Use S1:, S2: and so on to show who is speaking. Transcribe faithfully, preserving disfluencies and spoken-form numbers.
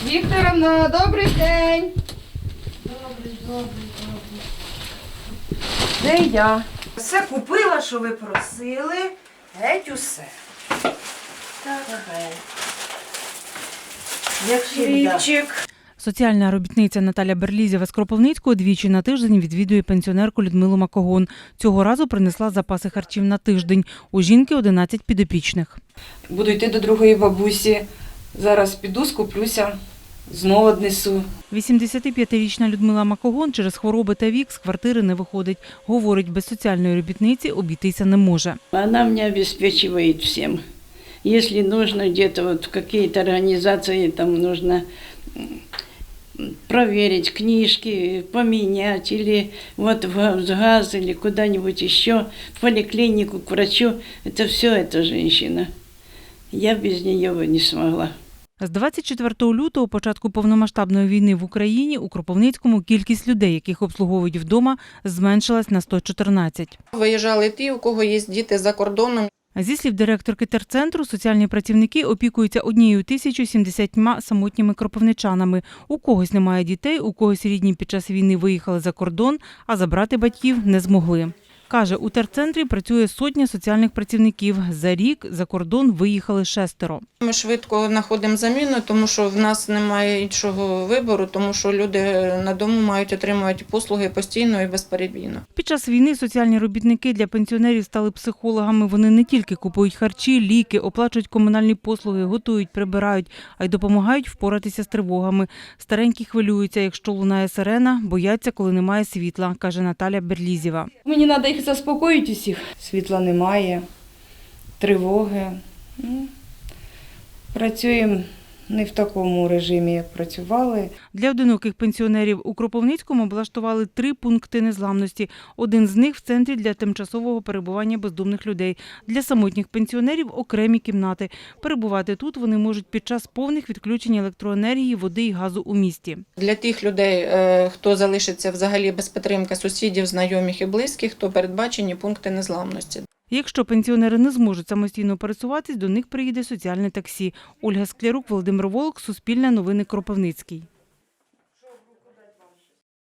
S1: Вікторовна, добрий день.
S2: Добрий, добрий, добрий.
S1: Де я? Все купила, що ви просили. Геть усе.
S2: Так, геть.
S1: Як хлібчик.
S3: Соціальна робітниця Наталя Берлізєва з Кропивницького двічі на тиждень відвідує пенсіонерку Людмилу Макогон. Цього разу принесла запаси харчів на тиждень. У жінки одинадцять підопічних.
S4: Буду йти до другої бабусі. Зараз піду, скуплюся, знову однесу.
S3: вісімдесятип'ятирічна Людмила Макогон через хвороби та вік з квартири не виходить. Говорить, без соціальної робітниці обійтися не може.
S2: Она меня обеспечивает всем. Если нужно где-то вот в какие-то организации, там нужно проверить книжки, поменять, или вот в газ, или куда-нибудь еще, в поликлинику, к врачу, это все эта женщина. Я без нее бы не смогла.
S3: З двадцять четвертого лютого, початку повномасштабної війни в Україні, у Кропивницькому кількість людей, яких обслуговують вдома, зменшилась на сто чотирнадцять.
S5: Виїжджали ті, у кого є діти за кордоном.
S3: Зі слів директорки терцентру, соціальні працівники опікуються однією тисячою сімдесятьма самотніми кропивничанами. У когось немає дітей, у когось рідні під час війни виїхали за кордон, а забрати батьків не змогли. Каже, у терцентрі працює сотня соціальних працівників. За рік за кордон виїхали шестеро.
S5: Ми швидко знаходимо заміну, тому що в нас немає іншого вибору, тому що люди на дому мають отримувати послуги постійно і безперебійно.
S3: Під час війни соціальні робітники для пенсіонерів стали психологами. Вони не тільки купують харчі, ліки, оплачують комунальні послуги, готують, прибирають, а й допомагають впоратися з тривогами. Старенькі хвилюються, якщо лунає сирена, бояться, коли немає світла, каже Наталя Берлізєва.
S4: Мені треба їх заспокоїти усіх. Світла немає, тривоги. Ну, працюємо не в такому режимі, як працювали.
S3: Для одиноких пенсіонерів у Кропивницькому облаштували три пункти незламності. Один з них – в центрі для тимчасового перебування бездомних людей. Для самотніх пенсіонерів – окремі кімнати. Перебувати тут вони можуть під час повних відключень електроенергії, води і газу у місті.
S5: Для тих людей, хто залишиться взагалі без підтримки сусідів, знайомих і близьких, то передбачені пункти незламності.
S3: Якщо пенсіонери не зможуть самостійно пересуватись, до них приїде соціальне таксі. Ольга Склярук, Володимир Волок, Суспільне новини, Кропивницький.